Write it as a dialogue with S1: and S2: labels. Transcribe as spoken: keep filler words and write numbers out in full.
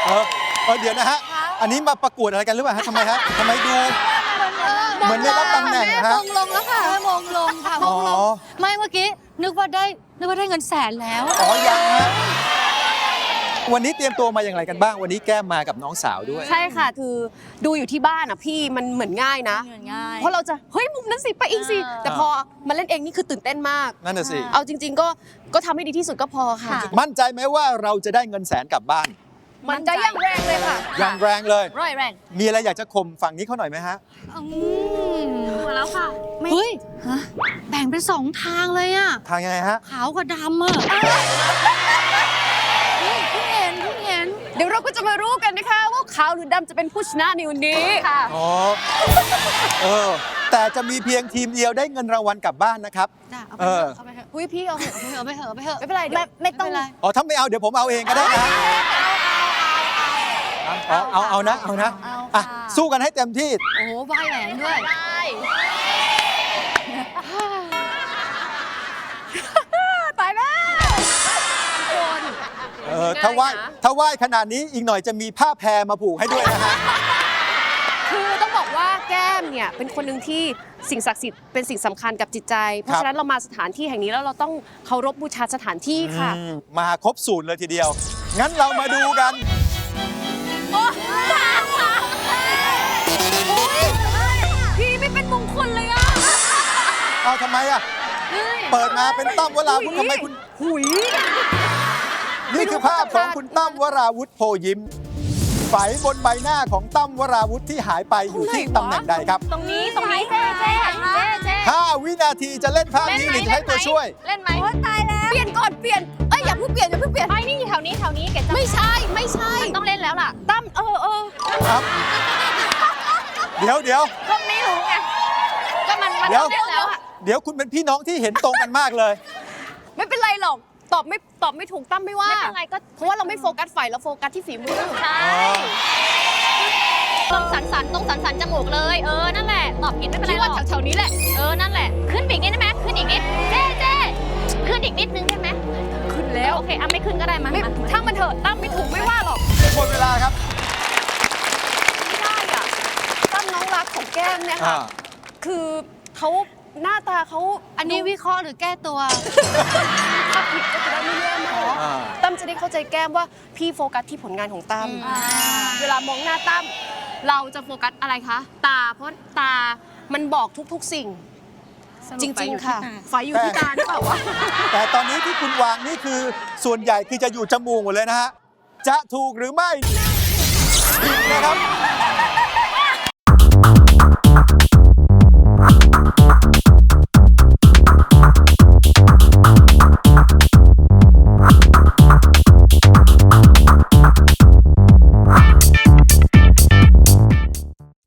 S1: เออเออเดี๋ยวนะฮะอันนี้มาประกวดอะไรกันหรือเปล่าฮะทำไมฮะทำไมดูเหมือนได้รับตำแหน่งนะฮะ
S2: มงลงแล้วค่ะมงลงค่ะมงลงไม่เมื่อกี้นึกว่าได้นึกว่าได้เงินแสนแล้ว
S1: อ๋อยังฮะวันนี้เตรียมตัวมาอย่างไรกันบ้างวันนี้แก้มมากับน้องสาวด้วย
S3: ใช่ค่ะคือดูอยู่ที่บ้านอ่ะพี่มันเหมือนง่ายนะ
S2: ง่าย
S3: เพราะเราจะเฮ้ยมุมนั้นสิไปอีกสิ
S2: อ่า
S3: แต่พอมาเล่นเองนี่คือตื่นเต้นมาก
S1: นั่นน่ะสิ
S3: เอาจริง ๆ ก็ก็ทำให้ดีที่สุดก็พอค่ะ
S1: มั่นใจไหมว่าเราจะได้เงินแสนกลับบ้าน
S3: มันจะยังแรงเลยค่ะ
S1: อย่างแรงเลย
S2: ร้อยแรง
S1: มีอะไรอยากจะข่มฝั่งนี้เขาหน่อยไหมฮะ
S3: มาแล้วค่ะ
S2: เฮ้ยแบ่งเป็นสองทางเลยอ่ะ
S1: ทางยังไงฮะ
S2: ขาวกับดำอ่ะเฮ้ยเพิ่งเห็นเพิ่งเห็น
S3: เดี๋ยวเราก็จะมารู้กันนะคะว่าขาวหรือดำจะเป็นผู้ชนะในวันนี้ค่ะ
S1: อ๋อ เออ แต่จะมีเพียงทีมเดียวได้เงินรางวัลกลับบ้านนะครับ
S2: จ้ะเอาไป
S1: เอ
S2: เถ
S1: อ
S2: อะเอาไปเถอะ
S3: อุ้ยพี่เอาเถอะ
S2: เอาไปเถอะเอาไปเถอะ
S3: ไม่เป็นไรเดี๋ยว
S2: ไม่ต้อง
S3: ไม่เป็นไร
S1: อ๋อ ถ้าไม่เอาเดี๋ยวผมเอาเองก็ได้นะเอาเอาเอานะ เอานะ อ่ะ สู้กันให้เต็มที่
S2: โอ้โหใบแหวนด้วย
S3: ตายแล้วทุกคน
S1: เออ ถ้าว่ายถ้าว่ายขนาดนี้อีกหน่อยจะมีผ้าแพรมาผูกให้ด้วยนะฮะ
S3: คือต้องบอกว่าแก้มเนี่ยเป็นคนหนึ่งที่สิ่งศักดิ์สิทธิ์เป็นสิ่งสำคัญกับจิตใจ เพราะฉะนั้นเรามาสถานที่แห่งนี้แล้วเราต้องเคารพบูชาสถานที่ค่ะ
S1: อืมมาครบสูตรเลยทีเดียว งั้นเรามาดูกัน
S3: พี่ไม่เป็นมงคลเลยอ่ะ
S1: เอาทำไมอ่ะ เปิดมาเป็นตั้มวราวุธทำไมคุณ
S3: หุย
S1: นี่คือภาพของคุณตั้มวราวุธโพยิ้มไฝบนใบหน้าของตั้มวราวุธที่หายไปอยู่ที่ตำแหน่งใดครับ
S2: ตรงนี้ตรงนี้เจ๊เจ๊เจ๊เจ๊
S1: ห้า วินาทีจะเล่นภาพนี้หรือจะใช้ตัวช่วย
S2: เล่นไหม
S3: โอ๊ยตายแล้วเปลี่ยนก่อนเปลี่ยนเอ้ยอย่าเพิ่งเปลี่ยนอย่าเพิ่งเปลี่ยน
S2: ไม่นี่อยู่แถวนี้แถวนี้เกดจะ
S3: ไม่ใช่ไม่ใช่
S2: ต้องเล่นแล้วล่ะ
S3: ตั้มเออเออ
S1: ครับ เดี๋ยวเดี๋ยว
S2: ก็ไม่รู้ไงก็มันมัน
S1: เดี๋ยว
S2: ต้องเล่นแล้วอะ
S1: เดี๋ยวคุณเป็นพี่น้องที่เห็นตรงกันมากเลย
S3: ไม่เป็นไรหรอกตอบไม่ตอบไม่ถูกตั้มไม่ว่า
S2: ไม่เป็นไรก็
S3: เพราะว่าเราไม่โฟกัสฝ่ายเราโฟกัสที่ฝีมือ
S2: ใช่ตรงสันสันตรงสันสันจมูกเลย เออ นั่นแหละ ตอบผิดไม่เป็นไร
S3: พี่
S2: หร
S3: ว่า
S2: อก
S3: แถวๆนี้แหละ
S2: เออ นั่นแหละ ขึ้นอีกนิดได้ไหมขึ้นอีกนิด เจ๊เจ๊ขึ้นอีกนิดนึงได้ไหม
S3: ขึ้นแล้ว
S2: โอเคอ่ะไม่ขึ้นก็ได้มา
S3: ไม่
S2: มา
S3: ช่างมันเถอะตั้มไม่ถูกไม่ว่าหรอก
S1: หมดเวลาครับ
S3: ไม่ได้อ่ะตั้มน้องรักของแก้มเนี่ย
S1: อ่า
S3: ค่ะ คือเขาหน้าตาเขา
S2: อันนี้วิเคราะห์หรือแก้ตัว
S3: ถ้าผิดก็จะได้ไม่แย่มาก
S1: อ่า
S3: ตั้มจะได้เข้าใจแก้มว่าพี่โฟกัสที่ผลงานของตั้ม
S2: อ่า
S3: เวลามองหน้าตั้มเราจะโฟกัสอะไรคะ ตาเพราะตามันบอกทุกๆสิ่ง จริงๆค่ะไฟอยู่ที่ตาหรือเปล่าวะ
S1: แต่ตอนนี้ที่คุณวางนี่คือส่วนใหญ่คือจะอยู่จมูกหมดเลยนะฮะ จะถูกหรือไม่ผิดนะครับ